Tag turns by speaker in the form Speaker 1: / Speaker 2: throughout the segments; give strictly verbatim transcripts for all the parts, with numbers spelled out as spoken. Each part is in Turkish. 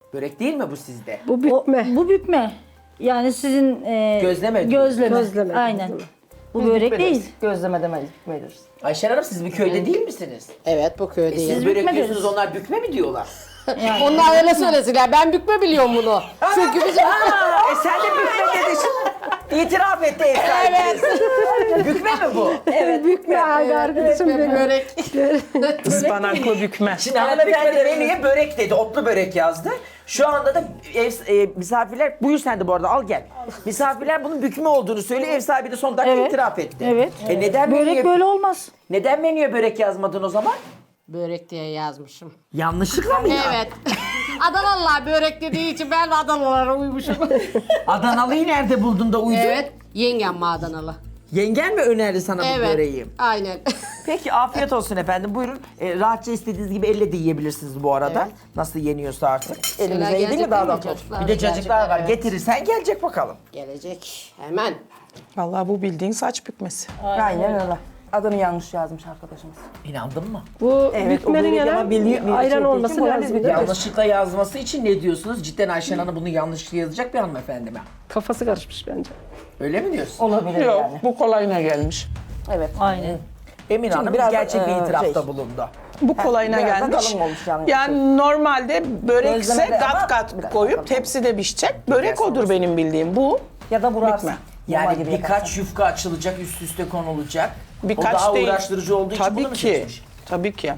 Speaker 1: Börek değil mi bu sizde?
Speaker 2: Bu bükme.
Speaker 3: O- bu bükme. Yani sizin e,
Speaker 1: Gözleme diyor.
Speaker 3: Gözleme.
Speaker 2: Gözleme,
Speaker 3: Aynen.
Speaker 2: gözleme.
Speaker 3: Bu börek
Speaker 4: Bükmediniz.
Speaker 3: değil.
Speaker 4: Gözleme demeyiz, bükmediniz.
Speaker 1: Ayşen Hanım siz bir köyde değil misiniz?
Speaker 5: Evet bu
Speaker 1: E
Speaker 5: köydeyim.
Speaker 1: siz börek
Speaker 3: bükme
Speaker 1: diyorsunuz,
Speaker 3: deriz.
Speaker 1: onlar bükme mi diyorlar?
Speaker 5: Onlar öyle söylesinler. Ben bükme biliyorum bunu. Çünkü bizim...
Speaker 1: Aa, e sen de bükme dedin. İtiraf etti ev sahibiniz. Bükme mi bu?
Speaker 2: Evet, bükme abi arkadaşım benim.
Speaker 5: Börek.
Speaker 4: Ispanaklı bükme.
Speaker 1: Şimdi hanımefendi menüye börek dedi, otlu börek yazdı. Şu anda da ev e, misafirler, buyur sen de bu arada al gel. Misafirler bunun bükme olduğunu söylüyor, ev sahibi de son dakika
Speaker 3: Evet.
Speaker 1: itiraf etti.
Speaker 3: Evet.
Speaker 1: E neden
Speaker 3: Börek
Speaker 1: menüye,
Speaker 3: böyle olmaz.
Speaker 1: neden menüye börek yazmadın o zaman?
Speaker 5: Börek diye yazmışım.
Speaker 1: Yanlışlıkla mı ya?
Speaker 5: Evet. Adanalılar börek dediği için ben de Adanalılara uymuşum.
Speaker 1: Adanalı'yı nerede buldun da uydun?
Speaker 5: Evet. Yengem mi Adanalı?
Speaker 1: Yengen mi önerdi sana bu
Speaker 5: Evet.
Speaker 1: böreği?
Speaker 5: Aynen.
Speaker 1: Peki afiyet olsun efendim. Buyurun. E, rahatça istediğiniz gibi elle de yiyebilirsiniz bu arada.
Speaker 5: Evet.
Speaker 1: Nasıl yeniyorsa artık.
Speaker 4: Elimize iyi değil mi daha da?
Speaker 1: Bir de cacıklar var.
Speaker 5: Evet.
Speaker 1: Getirirsen gelecek bakalım.
Speaker 5: Gelecek. Hemen.
Speaker 4: Vallahi bu bildiğin saç bükmesi. Aynen öyle. Adını yanlış yazmış arkadaşımız.
Speaker 1: İnandın mı?
Speaker 2: Bu
Speaker 4: Evet, o
Speaker 2: bükmenin
Speaker 4: börek ama
Speaker 2: yana
Speaker 4: bildiği- bildiği
Speaker 2: ayran
Speaker 4: şey
Speaker 2: olması
Speaker 4: değil ki, bu
Speaker 2: lazım.
Speaker 4: biz
Speaker 2: değil mi?
Speaker 1: Yanlışlıkla yazması için ne diyorsunuz? Cidden Ayşen Hanım bunu yanlışlıkla yazacak bir hanımefendi mi?
Speaker 2: Kafası karışmış bence.
Speaker 1: Öyle mi diyorsun?
Speaker 4: Olabilir Yok, yani. Bu kolayına gelmiş.
Speaker 6: Evet.
Speaker 3: Aynen.
Speaker 1: Emin Hanım
Speaker 6: biraz da,
Speaker 1: gerçek bir
Speaker 6: e,
Speaker 1: itirafta
Speaker 6: şey.
Speaker 1: bulundu.
Speaker 4: Bu kolayına
Speaker 6: biraz da
Speaker 4: gelmiş.
Speaker 6: kalın olmuş yani.
Speaker 4: Yani normalde börekse
Speaker 6: Gözleme de ama
Speaker 4: kat kat
Speaker 6: biraz
Speaker 4: koyup
Speaker 6: kalın.
Speaker 4: tepside pişecek. Börek odur benim bildiğim. Bu
Speaker 6: Ya da burarsın.
Speaker 4: Bükme.
Speaker 6: Normal
Speaker 1: Yani
Speaker 6: gibi
Speaker 1: birkaç
Speaker 6: yaparsın.
Speaker 1: yufka açılacak, üst üste konulacak.
Speaker 4: birkaç
Speaker 1: o daha
Speaker 4: değil.
Speaker 1: uğraştırıcı olduğu için
Speaker 4: Tabii
Speaker 1: bunu mu
Speaker 4: ki.
Speaker 1: seçmiş?
Speaker 4: Tabii ki.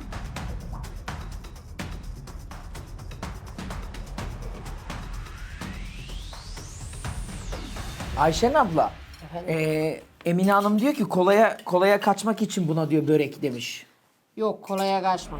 Speaker 1: Ayşen abla, e, Emine Hanım diyor ki kolaya kolaya kaçmak için buna diyor börek demiş.
Speaker 5: Yok kolaya kaçma.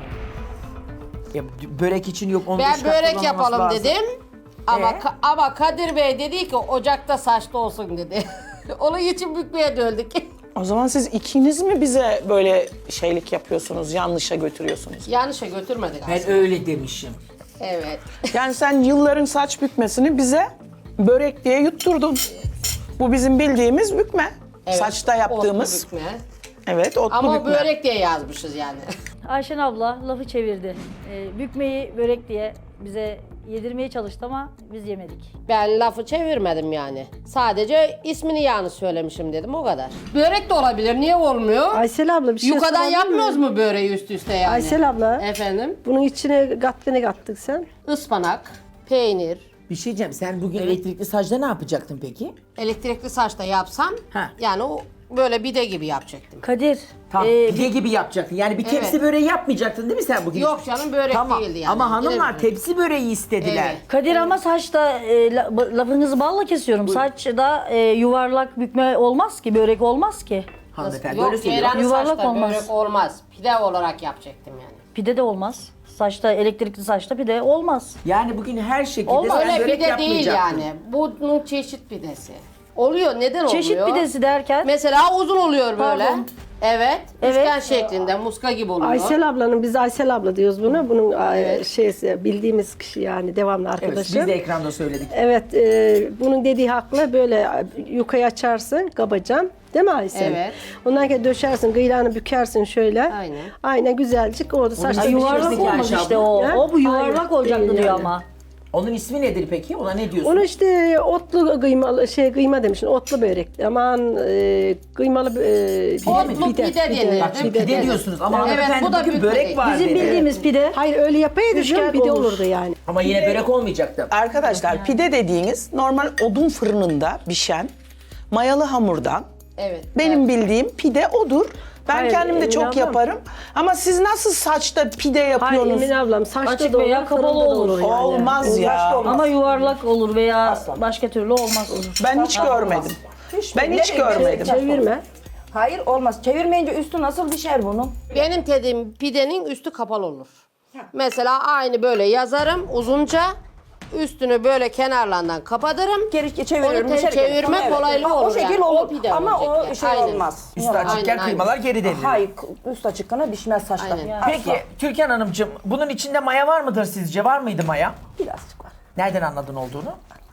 Speaker 1: Ya, börek için yok onu
Speaker 5: Ben
Speaker 1: dış kat
Speaker 5: börek
Speaker 1: kullanılması
Speaker 5: yapalım
Speaker 1: lazım.
Speaker 5: dedim. Ama
Speaker 1: Ee?
Speaker 5: Ka- ama Kadir Bey dedi ki ocakta saçlı olsun dedi. Onun için bükmeye döndük.
Speaker 4: O zaman siz ikiniz mi bize böyle şeylik yapıyorsunuz, yanlışa götürüyorsunuz?
Speaker 5: Yanlışa götürmedik
Speaker 1: Ben
Speaker 5: aslında.
Speaker 1: öyle demişim.
Speaker 5: Evet.
Speaker 4: Yani sen yılların saç bükmesini bize börek diye yutturdun. Bu bizim bildiğimiz bükme.
Speaker 5: Evet,
Speaker 4: Saçta yaptığımız.
Speaker 5: otlu bükme.
Speaker 4: Evet, otlu
Speaker 5: Ama
Speaker 4: bükme.
Speaker 5: börek diye yazmışız yani.
Speaker 3: Ayşen abla lafı çevirdi. E, bükmeyi börek diye bize yedirmeye çalıştı ama biz yemedik.
Speaker 5: Ben lafı çevirmedim yani. Sadece ismini yanlış söylemişim dedim o kadar. Börek de olabilir. Niye olmuyor?
Speaker 2: Aysel abla bir şey
Speaker 5: Yukadan
Speaker 2: sorabilir
Speaker 5: yapmıyoruz
Speaker 2: miyim?
Speaker 5: mu böreği üst üste yani?
Speaker 2: Aysel abla.
Speaker 5: Efendim?
Speaker 2: Bunun içine kattı ne kattık sen?
Speaker 5: Ispanak, peynir,
Speaker 1: Bir şey diyeceğim, sen bugün elektrikli sacda ne yapacaktın peki?
Speaker 5: elektrikli saçta yapsam
Speaker 1: Ha.
Speaker 5: yani o böyle bide gibi yapacaktım.
Speaker 3: Kadir,
Speaker 1: Tam
Speaker 3: e,
Speaker 1: pide gibi yapacaktın. Yani bir tepsi
Speaker 5: Evet.
Speaker 1: böreği yapmayacaktın değil mi sen bugün?
Speaker 5: Yok canım börek
Speaker 1: Tamam.
Speaker 5: değildi yani.
Speaker 1: Ama hanımlar
Speaker 5: Direkt-
Speaker 1: tepsi böreği istediler.
Speaker 5: Evet.
Speaker 3: Kadir ama saçta e, la- lafınızı balla kesiyorum. Saçta e, yuvarlak bükme olmaz ki, börek olmaz ki.
Speaker 1: Hanımefendi
Speaker 5: Yok
Speaker 1: öyle söylüyor.
Speaker 5: ceyranlı
Speaker 3: Yuvarlak
Speaker 5: saçta
Speaker 3: olmaz.
Speaker 5: börek olmaz. Pide olarak yapacaktım yani.
Speaker 3: Pide de olmaz. Saçta, elektrikli saçta pide olmaz.
Speaker 1: Yani bugün her şekilde
Speaker 3: Olmaz.
Speaker 1: sen
Speaker 5: Öyle
Speaker 1: börek
Speaker 5: pide değil
Speaker 1: yapmayacaktın.
Speaker 5: yani. Bunun çeşit pidesi. Oluyor. Neden
Speaker 3: Çeşit
Speaker 5: oluyor?
Speaker 3: pidesi derken
Speaker 5: Mesela uzun oluyor böyle.
Speaker 3: Pardon.
Speaker 5: Evet.
Speaker 3: Evet.
Speaker 5: Üçgen şeklinde muska gibi oluyor.
Speaker 2: Aysel ablanın, biz Aysel abla diyoruz buna. Bunun
Speaker 5: Evet.
Speaker 2: şeysi, bildiğimiz kişi yani devamlı
Speaker 1: Evet,
Speaker 2: arkadaşı.
Speaker 1: biz de ekranda söyledik.
Speaker 2: Evet, e, bunun dediği haklı. Böyle yukayı açarsın, kabacan. Değil mi Aysel?
Speaker 5: Evet.
Speaker 2: Ondan sonra döşersin, kıyılarını bükersin şöyle.
Speaker 5: Aynen.
Speaker 2: Aynen güzelcik orada saçta
Speaker 1: ismi
Speaker 3: yuvarlak
Speaker 1: Çeşitlik
Speaker 3: olmaz
Speaker 1: Ayşe
Speaker 3: işte
Speaker 1: abla.
Speaker 3: o.
Speaker 2: Ha?
Speaker 3: O bu yuvarlak
Speaker 2: Hayır,
Speaker 3: olacaktı
Speaker 2: değil
Speaker 3: diyor
Speaker 2: yani.
Speaker 3: ama.
Speaker 1: Onun ismi nedir peki? Ona ne diyorsun?
Speaker 2: Onu işte otlu kıymalı şey kıyma demişsin. Otlu börek. Aman e, kıymalı e,
Speaker 5: Otlu pide denir.
Speaker 1: Bak şimdi pide,
Speaker 5: Pide
Speaker 1: diyorsunuz ama
Speaker 5: Evet,
Speaker 1: hanımefendi
Speaker 5: bu da
Speaker 1: bugün
Speaker 5: bükme
Speaker 1: börek
Speaker 5: değil.
Speaker 1: var
Speaker 3: Bizim
Speaker 1: dedi.
Speaker 3: bildiğimiz pide.
Speaker 2: Hayır öyle yapaydı
Speaker 3: Üçgen
Speaker 2: canım bir de
Speaker 3: olur.
Speaker 2: olurdu yani.
Speaker 1: Ama yine börek olmayacaktı.
Speaker 4: Arkadaşlar pide dediğiniz normal odun fırınında pişen mayalı hamurdan.
Speaker 5: Evet.
Speaker 4: Benim bildiğim pide odur. Ben
Speaker 2: Hayır,
Speaker 4: kendim de
Speaker 2: Emine
Speaker 4: çok
Speaker 2: ablam.
Speaker 4: yaparım. Ama siz nasıl saçta pide
Speaker 2: Hayır
Speaker 4: yapıyorsunuz?
Speaker 2: Emine ablam saçta
Speaker 3: Açık
Speaker 2: da olur,
Speaker 3: veya kapalı
Speaker 2: fırında da
Speaker 3: olur.
Speaker 2: yani.
Speaker 4: Olmaz ya.
Speaker 3: Ama yuvarlak olur veya başka türlü olmaz olur.
Speaker 4: Ben hiç görmedim. Ben hiç görmedim.
Speaker 2: Çevirme.
Speaker 6: Hayır olmaz. Çevirmeyince üstü nasıl pişer bunun?
Speaker 5: Benim dediğim pidenin üstü kapalı olur. Mesela aynı böyle yazarım uzunca. Üstünü böyle kenarlarından kapatırım.
Speaker 6: Geri çeviriyorum.
Speaker 5: Onu te-
Speaker 6: dışarı geri-
Speaker 5: çevirme
Speaker 6: Evet.
Speaker 5: kolaylığı
Speaker 6: Ha,
Speaker 5: olur
Speaker 6: O şekil
Speaker 5: yani. O
Speaker 6: olur
Speaker 5: pide
Speaker 6: ama
Speaker 5: olacak
Speaker 6: o
Speaker 5: yani.
Speaker 6: şey
Speaker 5: Aynen.
Speaker 6: olmaz.
Speaker 1: Üstü açıkken
Speaker 5: Aynen,
Speaker 1: kıymalar geri devrilir.
Speaker 6: Hayır üst açıkkana pişmez saçta.
Speaker 5: Aynen.
Speaker 1: Peki Türkan Hanımcığım bunun içinde maya var mıdır sizce? Var mıydı maya?
Speaker 6: Birazcık var.
Speaker 1: Nereden anladın olduğunu?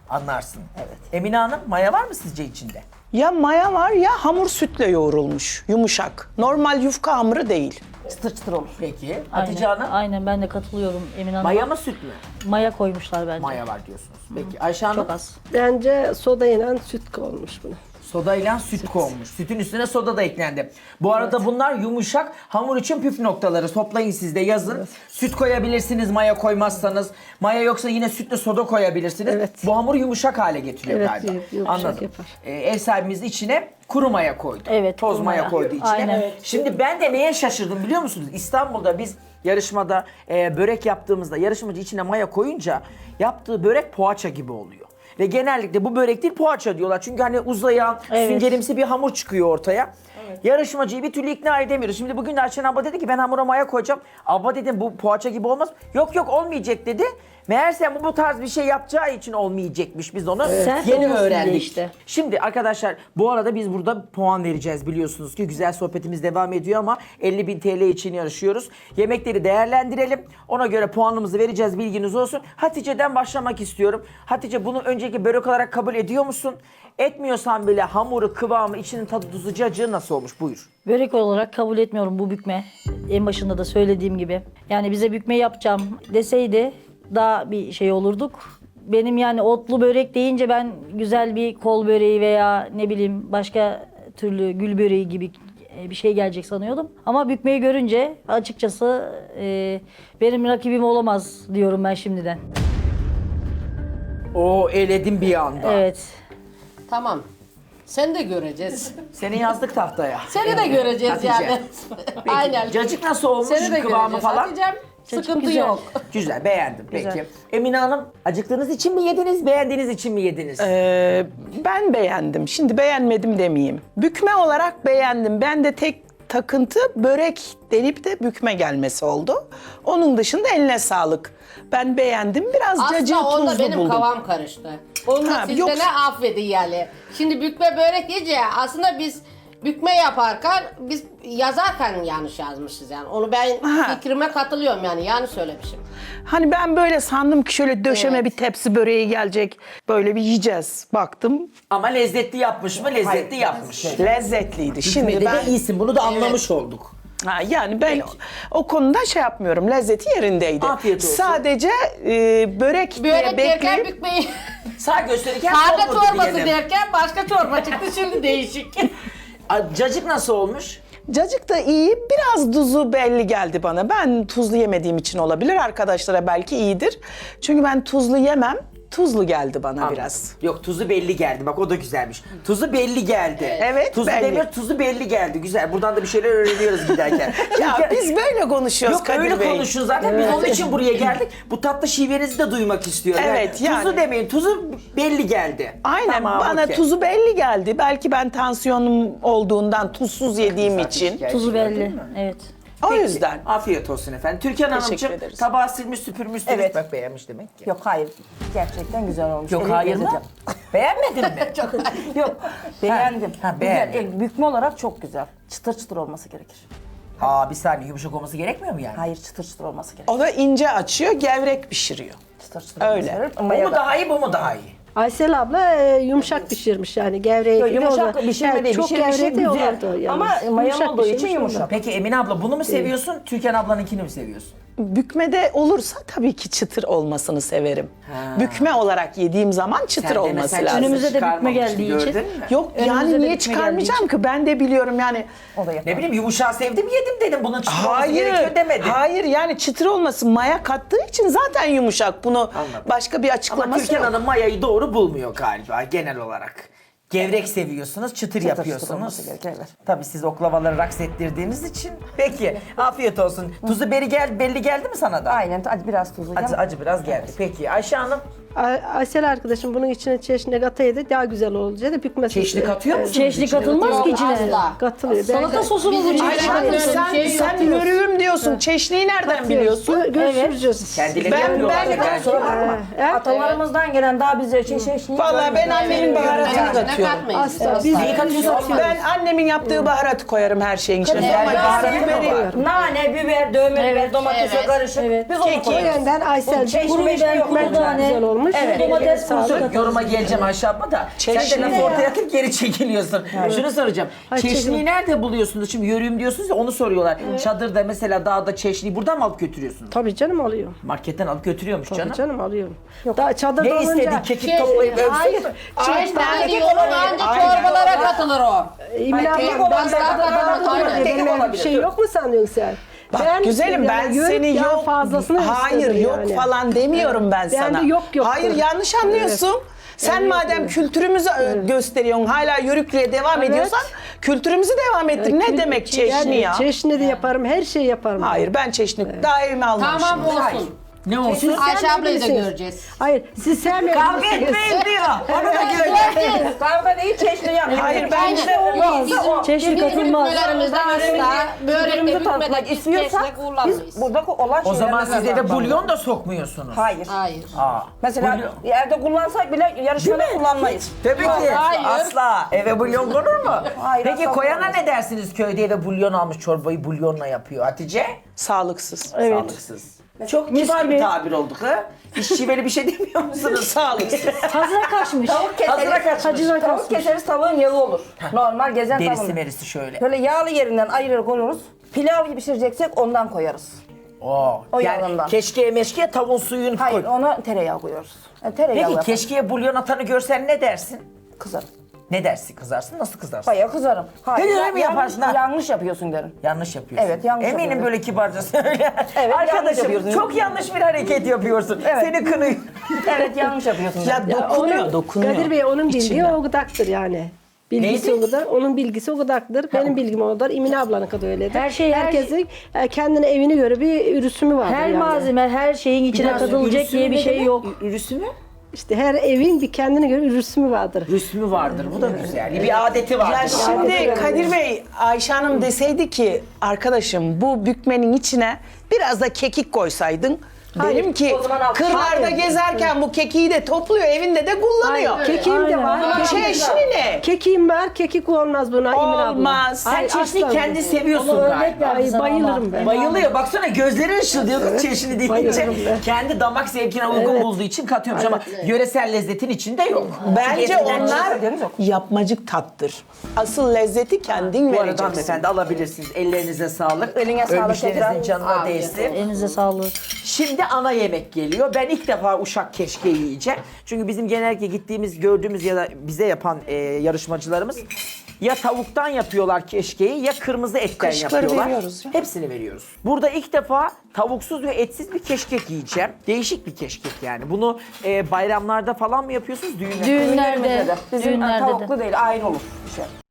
Speaker 1: Anlarsın. Evet. Emine Hanım maya var mı sizce içinde?
Speaker 4: Ya maya var ya hamur sütle yoğrulmuş. Yumuşak. Normal yufka hamuru değil.
Speaker 6: Çıtır çıtır olur.
Speaker 1: Peki. Hatice
Speaker 3: Aynen,
Speaker 1: Hanım
Speaker 3: aynen ben de katılıyorum Emine Hanım'a.
Speaker 1: maya mı süt mü?
Speaker 3: Maya koymuşlar bence.
Speaker 1: Maya var diyorsunuz. Peki Ayşe Hanım
Speaker 3: Çok az.
Speaker 2: Bence soda ile süt olmuş bunu.
Speaker 1: sodayla süt konmuş. Sütün üstüne soda da eklendi. Bu arada bunlar yumuşak hamur için püf noktaları. Toplayın siz de yazın. Süt koyabilirsiniz maya koymazsanız. Maya yoksa yine sütle soda koyabilirsiniz.
Speaker 2: Evet.
Speaker 1: Bu hamuru yumuşak hale getiriyor
Speaker 2: Evet,
Speaker 1: galiba.
Speaker 2: yumuşak
Speaker 1: Anladım.
Speaker 2: yapar.
Speaker 1: Ee, ev sahibimiz içine kuru maya koydu.
Speaker 3: Evet,
Speaker 1: Toz
Speaker 3: kuru
Speaker 1: maya,
Speaker 3: maya.
Speaker 1: koydu içine.
Speaker 3: Aynen. Evet.
Speaker 1: Şimdi ben de neye şaşırdım biliyor musunuz? İstanbul'da biz yarışmada e, börek yaptığımızda yarışmacı içine maya koyunca yaptığı börek poğaça gibi oluyor. Ve genellikle bu börek değil poğaça diyorlar. Çünkü hani uzayan,
Speaker 3: Evet.
Speaker 1: süngerimsi bir hamur çıkıyor ortaya. Yarışmacıyı bir türlü ikna edemiyoruz. Şimdi bugün de Ayşen abla dedi ki ben hamura maya koyacağım. Abla dedim bu poğaça gibi olmaz. Yok yok olmayacak dedi. Meğerse bu, bu tarz bir şey yapacağı için olmayacakmış. Biz onu
Speaker 3: Sert
Speaker 1: yeni
Speaker 3: olmasın diye
Speaker 1: öğrendik.
Speaker 3: işte.
Speaker 1: Şimdi arkadaşlar bu arada biz burada puan vereceğiz biliyorsunuz ki güzel sohbetimiz devam ediyor ama elli bin T L için yarışıyoruz. Yemekleri değerlendirelim. Ona göre puanımızı vereceğiz bilginiz olsun. Hatice'den başlamak istiyorum. Hatice bunu önceki börek olarak kabul ediyor musun? Etmiyorsan bile hamuru, kıvamı, içinin tadı, tuzu, cacığı nasıl olmuş? Buyur.
Speaker 3: Börek olarak kabul etmiyorum bu bükme. En başında da söylediğim gibi. Yani bize bükme yapacağım deseydi daha bir şey olurduk. Benim yani otlu börek deyince ben güzel bir kol böreği veya ne bileyim başka türlü gül böreği gibi bir şey gelecek sanıyordum. Ama bükmeyi görünce açıkçası e, benim rakibim olamaz diyorum ben şimdiden.
Speaker 1: Oo eledim bir anda.
Speaker 3: Evet.
Speaker 5: Tamam. Sen de göreceğiz.
Speaker 1: Seni yazdık tahtaya.
Speaker 5: Seni de göreceğiz
Speaker 1: Hatice.
Speaker 5: yani.
Speaker 1: Peki,
Speaker 5: Aynen.
Speaker 1: cacık nasıl olmuş?
Speaker 5: Seni de
Speaker 1: Kıvamı
Speaker 5: göreceğiz.
Speaker 1: falan?
Speaker 5: Hatice'm, sıkıntı
Speaker 3: güzel.
Speaker 5: yok.
Speaker 1: Güzel, beğendim. Peki.
Speaker 3: Güzel.
Speaker 1: Emine Hanım, acıktığınız için mi yediniz, beğendiğiniz için mi yediniz?
Speaker 4: Ee, ben beğendim. Şimdi beğenmedim demeyeyim. Bükme olarak beğendim. Ben de tek takıntı börek denip de bükme gelmesi oldu. Onun dışında eline sağlık. Ben beğendim. Biraz cacığı
Speaker 5: Aslında onda
Speaker 4: tuzlu
Speaker 5: benim
Speaker 4: buldum.
Speaker 5: kavam karıştı. Onu da
Speaker 4: Ha,
Speaker 5: siz
Speaker 4: yok.
Speaker 5: de ne affedin yani. Şimdi bükme börek yiyince aslında biz bükme yaparken biz yazarken yanlış yazmışız yani. Onu ben
Speaker 4: Ha.
Speaker 5: fikrime katılıyorum yani yanlış söylemişim.
Speaker 4: Hani ben böyle sandım ki şöyle döşeme
Speaker 5: Evet.
Speaker 4: bir tepsi böreği gelecek. Böyle bir yiyeceğiz. Baktım
Speaker 1: Ama lezzetli yapmış mı? Lezzetli yapmış.
Speaker 4: lezzetliydi.
Speaker 1: Şimdi
Speaker 4: Şimdi
Speaker 1: de
Speaker 4: ben
Speaker 1: iyisin, bunu da anlamış olduk.
Speaker 4: Ha, yani ben o, o konuda şey yapmıyorum. Lezzeti yerindeydi.
Speaker 1: Afiyet olsun.
Speaker 4: Sadece e, börek, diye
Speaker 5: Börek derken
Speaker 4: bekleyip
Speaker 5: bükmeyi
Speaker 1: Sağ gösterirken
Speaker 5: karga
Speaker 1: olmadı
Speaker 5: çorbası
Speaker 1: diyelim.
Speaker 5: derken başka çorba çıktı şimdi değişik.
Speaker 1: A, Cacık nasıl olmuş?
Speaker 4: cacık da iyi. Biraz tuzu belli geldi bana. Ben tuzlu yemediğim için olabilir. Arkadaşlara belki iyidir. Çünkü ben tuzlu yemem. Tuzlu geldi bana biraz.
Speaker 1: Yok tuzu belli geldi. Bak o da güzelmiş. Tuzu belli geldi.
Speaker 4: Evet,
Speaker 1: Tuzu
Speaker 4: belli.
Speaker 1: demir, tuzu belli geldi. Güzel. Buradan da bir şeyler öğreniyoruz giderken.
Speaker 4: Ya
Speaker 1: Çünkü-
Speaker 4: biz böyle konuşuyoruz
Speaker 1: Yok
Speaker 4: Kadir
Speaker 1: öyle
Speaker 4: Bey.
Speaker 1: konuşun zaten. Biz onun için buraya geldik. Bu tatlı şivenizi de duymak istiyorum.
Speaker 4: Evet, yani.
Speaker 1: Tuzu demeyin. Tuzu belli geldi.
Speaker 4: Aynen
Speaker 1: Tamam,
Speaker 4: bana
Speaker 1: okey.
Speaker 4: tuzu belli geldi. Belki ben tansiyonum olduğundan tuzsuz yediğim
Speaker 1: Zaten
Speaker 4: için.
Speaker 1: şikayetçi
Speaker 3: Tuzu
Speaker 1: gördün
Speaker 3: belli.
Speaker 1: mü?
Speaker 3: Evet.
Speaker 4: O
Speaker 1: Peki,
Speaker 4: yüzden.
Speaker 1: Afiyet olsun efendim. Türkan Hanımcığım
Speaker 4: ederiz.
Speaker 1: tabağı silmiş süpürmüşsünüz.
Speaker 6: Evet.
Speaker 1: Bak beğenmiş demek ki.
Speaker 6: Yok hayır. Gerçekten güzel olmuş.
Speaker 1: Yok
Speaker 6: Eline
Speaker 1: hayır mı?
Speaker 6: gezeceğim.
Speaker 1: Beğenmedin mi?
Speaker 6: Yok. Beğendim.
Speaker 1: ha,
Speaker 6: Güzel.
Speaker 1: beğendin.
Speaker 6: E, bükme olarak çok güzel. Çıtır çıtır olması gerekir.
Speaker 1: Aa bir saniye yumuşak olması gerekmiyor mu yani?
Speaker 6: Hayır çıtır çıtır olması gerekir.
Speaker 4: O da ince açıyor, gevrek pişiriyor.
Speaker 6: Çıtır çıtır
Speaker 4: Öyle.
Speaker 6: olması gerekir.
Speaker 1: Bu
Speaker 6: Maya
Speaker 1: mu
Speaker 6: da-
Speaker 1: daha iyi bu mu daha iyi?
Speaker 2: Aysel abla e, yumuşak pişirmiş yani gevreği.
Speaker 6: Yok,
Speaker 2: gibi
Speaker 6: yumuşak
Speaker 2: o da-
Speaker 6: pişirme
Speaker 2: Evet,
Speaker 6: değil.
Speaker 2: çok
Speaker 6: Pişirmişi
Speaker 2: gevrek de
Speaker 6: güzel.
Speaker 2: olurdu yalnız.
Speaker 6: Ama maya
Speaker 2: Yumuşak
Speaker 6: olduğu için
Speaker 2: pişirmiş
Speaker 6: yumuşak.
Speaker 2: ondan.
Speaker 1: Peki Emine abla bunu mu seviyorsun? Türkan ablanınkini mi seviyorsun?
Speaker 4: Bükmede olursa tabii ki çıtır olmasını severim. Bükme olarak yediğim zaman çıtır
Speaker 1: Sen de
Speaker 4: olması
Speaker 1: mesela
Speaker 4: lazım.
Speaker 3: Önümüze de bükme
Speaker 1: çıkarmamıştı,
Speaker 3: geldiği
Speaker 1: gördün
Speaker 3: için.
Speaker 1: mü?
Speaker 4: Yok
Speaker 3: Önümüze
Speaker 4: yani
Speaker 3: de
Speaker 4: niye
Speaker 3: bükme
Speaker 4: çıkarmayacağım ki? Ben de biliyorum yani.
Speaker 6: O da yapar.
Speaker 1: Ne bileyim yumuşağı sevdim yedim dedim. Bunun çıtır olması
Speaker 4: Hayır,
Speaker 1: gerekiyor demedim.
Speaker 4: hayır yani çıtır olması maya kattığı için zaten yumuşak. Bunu
Speaker 1: Anladım.
Speaker 4: başka bir
Speaker 1: Ama
Speaker 4: açıklaması
Speaker 1: Türkan
Speaker 4: yok.
Speaker 1: Hanım mayayı doğru bulmuyor galiba genel olarak. Gevrek seviyorsunuz, çıtır,
Speaker 6: çıtır
Speaker 1: yapıyorsunuz.
Speaker 6: olması gerekir, evet.
Speaker 1: Tabii siz oklavaları raks ettirdiğiniz için. Peki, afiyet olsun. Tuzu beri gel, belli geldi mi sana da?
Speaker 6: Aynen. Hadi biraz tuzlu.
Speaker 1: Acı, acı biraz geldi. Peki Ayşe Hanım,
Speaker 2: Ay- Aysel arkadaşım bunun içine çeşni kataydı daha güzel olacaktı. Bükmesi.
Speaker 1: çeşni katıyor musunuz?
Speaker 3: Çeşni
Speaker 1: içine?
Speaker 3: katılmaz ki içine.
Speaker 5: Asla.
Speaker 2: Katılıyor.
Speaker 3: Salata sosu mu bu
Speaker 5: Bizim
Speaker 3: çeşni?
Speaker 5: Aynen.
Speaker 4: Ay, sen,
Speaker 5: Şey
Speaker 4: sen
Speaker 5: yapıyoruz.
Speaker 4: yörüğüm diyorsun. Çeşniyi nereden biliyorsun?
Speaker 2: Gö- görüşürüz.
Speaker 1: Kendileri
Speaker 4: Ben-
Speaker 1: yapıyorlar
Speaker 4: ben-
Speaker 1: da belki.
Speaker 6: Kusura bakma.
Speaker 7: Atalarımızdan gelen daha bize şey şey şey.
Speaker 4: Vallahi ben annemin baharatını
Speaker 5: İçine
Speaker 4: katıyorum.
Speaker 5: katmayın.
Speaker 2: Asla. Biz
Speaker 1: Neyi katıyorsunuz?
Speaker 4: Ben annemin yaptığı baharatı koyarım her şeyin içine. Normal baharatı veriyorum.
Speaker 7: Nane, biber, dövme biber, domatesle
Speaker 5: evet,
Speaker 7: karışık. Biz onu
Speaker 4: Keki.
Speaker 7: koyuyoruz.
Speaker 2: Benden Aysel'cim
Speaker 7: Kuru biber, kuru
Speaker 2: çok
Speaker 7: tane.
Speaker 2: güzel olmuş.
Speaker 7: Evet.
Speaker 2: Domates
Speaker 7: Domates
Speaker 2: sağlık.
Speaker 7: kurusu.
Speaker 1: Yoruma geleceğim Ayşe abla da. Sen de
Speaker 4: Çeşni
Speaker 1: laf
Speaker 4: ya.
Speaker 1: ortaya atıp geri çekiliyorsun. Şunu soracağım.
Speaker 2: Ay,
Speaker 1: Çeşniyi
Speaker 2: çeşni.
Speaker 1: nerede buluyorsunuz? Şimdi yörüğüm diyorsunuz ya onu soruyorlar. Çadırda mesela dağda çeşniyi buradan mı alıp götürüyorsunuz?
Speaker 2: Tabii canım alıyor.
Speaker 1: Marketten alıp götürüyormuş
Speaker 2: Tabii
Speaker 1: canım.
Speaker 2: canım alıyorum. Daha çadırda
Speaker 1: Ne
Speaker 2: olunca...
Speaker 1: istedin? Kekik toplayıp ölsün
Speaker 2: Hayır.
Speaker 1: mü?
Speaker 5: Çeşitler diyorum ancak çorbalara katılır o.
Speaker 2: Emine
Speaker 7: Hayır,
Speaker 2: abla,
Speaker 7: kekik
Speaker 2: ben
Speaker 7: olabilir,
Speaker 2: daha
Speaker 5: kekik
Speaker 2: da
Speaker 5: olabilir.
Speaker 2: benim
Speaker 1: Kekik
Speaker 2: öyle bir
Speaker 1: olabilir,
Speaker 2: şey
Speaker 1: dur.
Speaker 2: yok mu sanıyorsun sen?
Speaker 4: Bak güzelim ben
Speaker 2: yani
Speaker 4: seni
Speaker 2: yörük yağı
Speaker 4: yok
Speaker 2: fazlasını
Speaker 4: hayır
Speaker 2: istedim
Speaker 4: yok
Speaker 2: yani.
Speaker 4: falan demiyorum ben
Speaker 2: Ben
Speaker 4: sana.
Speaker 2: de yok yok
Speaker 4: Hayır
Speaker 2: dedim.
Speaker 4: yanlış anlıyorsun. Sen
Speaker 2: Evet,
Speaker 4: madem
Speaker 2: evet.
Speaker 4: kültürümüzü ö- gösteriyorsun, hala yörüklüğe devam
Speaker 2: Evet.
Speaker 4: ediyorsan kültürümüzü devam ettir. Ne demek çeşni ya?
Speaker 2: Çeşni de yaparım, her şeyi yaparım.
Speaker 4: Hayır ben çeşni daha evime almamışım.
Speaker 5: Tamam olsun.
Speaker 1: Ne olsun?
Speaker 5: Ayşe ablayı da
Speaker 2: sevmeyebilirsiniz.
Speaker 5: göreceğiz.
Speaker 2: Hayır, siz sevmiyor
Speaker 1: Kavga
Speaker 2: musunuz?
Speaker 1: etmeyin diyor. Onu da göreceğiz.
Speaker 7: Kavga değil, çeşni yapıyor.
Speaker 4: Hayır ben
Speaker 5: Aynen.
Speaker 4: işte
Speaker 5: Yok, bizim,
Speaker 3: Çeşni
Speaker 5: bizim
Speaker 3: katılmaz.
Speaker 5: hükümlerimizde asla börekte
Speaker 7: Birbirimizi tanıtmak
Speaker 5: hükmedeki
Speaker 7: istiyorsak
Speaker 5: keşke
Speaker 7: biz
Speaker 5: kullanmayız.
Speaker 7: burada olan
Speaker 1: O zaman
Speaker 7: şeylerden
Speaker 1: siz eve
Speaker 7: kazanmak.
Speaker 1: bulyon da sokmuyorsunuz.
Speaker 7: Hayır.
Speaker 5: Hayır.
Speaker 1: Aa,
Speaker 7: Mesela
Speaker 1: bulyon-
Speaker 7: evde kullansak bile yarışmada kullanmayız.
Speaker 1: Tabii ki.
Speaker 5: Hayır.
Speaker 1: Asla. Eve bulyon konur mu?
Speaker 7: Hayır,
Speaker 1: Peki
Speaker 7: asla
Speaker 1: koyana
Speaker 7: konmaz.
Speaker 1: ne dersiniz? Köyde eve bulyon almış çorbayı bulyonla yapıyor. Hatice?
Speaker 4: sağlıksız.
Speaker 2: Evet.
Speaker 1: Sağlıksız. Çok kibar bir tabir olduk ha. Hiç şiveli bir şey demiyor musunuz?
Speaker 4: Sağlıksız.
Speaker 3: Hazıra kaçmış.
Speaker 7: Tavuk
Speaker 1: Hazıra
Speaker 7: keseriz.
Speaker 1: kaçmış.
Speaker 2: Hacılar
Speaker 7: Tavuk
Speaker 2: kaçmış.
Speaker 7: keseriz tavuğun yağı olur. Normal gezen
Speaker 1: Derisi
Speaker 7: tavuğun.
Speaker 1: merisi şöyle.
Speaker 7: Böyle yağlı yerinden ayırır koyuyoruz. Pilav gibi pişireceksek ondan koyarız.
Speaker 1: Oo.
Speaker 7: O
Speaker 1: yani
Speaker 7: yağından.
Speaker 1: keşkeye meşkeye tavuğun suyunu
Speaker 7: Hayır
Speaker 1: koy.
Speaker 7: ona tereyağı koyuyoruz. Yani tereyağı
Speaker 1: Peki
Speaker 7: yaparız.
Speaker 1: keşkeye bulyon atanı görsen ne dersin?
Speaker 7: Kızarım.
Speaker 1: Ne dersin? Kızarsın? Nasıl kızarsın?
Speaker 7: Bayağı kızarım. Hayır,
Speaker 1: Öyle mi
Speaker 7: yan-
Speaker 1: yaparsın ha?
Speaker 7: Yanlış yapıyorsun derim.
Speaker 1: Yanlış yapıyorsun.
Speaker 7: Evet, yanlış
Speaker 1: Eminim
Speaker 7: yapıyorum.
Speaker 1: böyle kibarca söyle.
Speaker 7: Evet, yanlış
Speaker 1: Arkadaşım
Speaker 7: yapıyorsun.
Speaker 1: çok yanlış bir hareket yapıyorsun.
Speaker 7: Evet.
Speaker 1: Seni kınıyor.
Speaker 7: Evet yanlış yapıyorsun.
Speaker 4: Ya
Speaker 7: derim.
Speaker 4: dokunuyor,
Speaker 2: Onun-
Speaker 4: dokunuyor.
Speaker 2: Kadir Bey onun bildiği
Speaker 4: İçinden.
Speaker 2: o gıdaktır yani. Bilgisi
Speaker 1: Neydi?
Speaker 2: o kadar, onun bilgisi o kadardır. Benim bilgim o kadar, Emine ablanın kadar öyledir.
Speaker 3: Her şey- her
Speaker 2: Herkesin e, kendine evine göre bir ürüsümü vardır
Speaker 3: Her
Speaker 2: yani.
Speaker 3: malzeme, her şeyin içine
Speaker 1: Biraz
Speaker 3: katılacak
Speaker 1: ürüsü
Speaker 3: diye bir
Speaker 1: ne
Speaker 3: şey
Speaker 1: demek?
Speaker 3: yok.
Speaker 1: Ü- Ürüsü mü?
Speaker 2: İşte her evin bir kendine göre ürüsümü vardır.
Speaker 1: Rüsmü vardır. Bu da güzel. Bir adeti vardır.
Speaker 4: Ya şimdi Kadir Bey, Ayşe Hanım deseydi ki arkadaşım bu bükmenin içine biraz da kekik koysaydın.
Speaker 2: Hayır,
Speaker 4: Derim ki
Speaker 7: o zaman al.
Speaker 4: kırlarda
Speaker 2: Hayır.
Speaker 4: gezerken bu kekiği de topluyor, evinde de kullanıyor.
Speaker 2: Kekiğim de var.
Speaker 3: Aynen.
Speaker 2: Kekiğim-
Speaker 4: Çeşni ne?
Speaker 2: Kekiğim var, kekik olmaz buna Emine abla.
Speaker 4: Olmaz.
Speaker 1: Sen
Speaker 2: Hayır,
Speaker 1: çeşni
Speaker 2: asla
Speaker 1: kendi
Speaker 2: olmaz.
Speaker 1: seviyorsun
Speaker 3: Onu örnek
Speaker 1: galiba.
Speaker 3: ver.
Speaker 2: Ay,
Speaker 3: Sana
Speaker 2: bayılırım
Speaker 3: ama.
Speaker 2: ben.
Speaker 1: Bayılıyor. Baksana gözleri ışıldıyor kız çeşni deyince.
Speaker 2: bayılırım ben.
Speaker 1: Kendi damak zevkine uygun
Speaker 2: Evet.
Speaker 1: bulduğu için katıyormuş ama yöresel lezzetin içinde yok.
Speaker 4: Bence
Speaker 1: Çünkü eskiden
Speaker 4: onlar
Speaker 7: haberiniz yok.
Speaker 4: yapmacık tattır. Asıl lezzeti kendin
Speaker 1: Bu arada
Speaker 4: vereceksin.
Speaker 1: hanımefendi alabilirsiniz. Ellerinize sağlık.
Speaker 7: Eline sağlık
Speaker 1: Ölmüşlerinizin
Speaker 7: tekrar.
Speaker 1: canına
Speaker 5: Afiyet
Speaker 1: değsin.
Speaker 3: Elinize sağlık.
Speaker 1: Şimdi ana yemek geliyor. Ben ilk defa uşak keşke yiyeceğim. Çünkü bizim genellikle gittiğimiz, gördüğümüz ya da bize yapan e, yarışmacılarımız ya tavuktan yapıyorlar keşkeyi ya kırmızı etten
Speaker 4: Kaşıkları
Speaker 1: yapıyorlar.
Speaker 4: veriyoruz ya.
Speaker 1: Hepsini veriyoruz. Burada ilk defa tavuksuz ve etsiz bir keşkek yiyeceğim. Değişik bir keşkek yani. Bunu e, bayramlarda falan mı yapıyorsunuz? Düğünlerde.
Speaker 3: Düğünlerde,
Speaker 7: Bizim
Speaker 3: düğünlerde de.
Speaker 7: tavuklu değil, ayrı olur. Bir şey.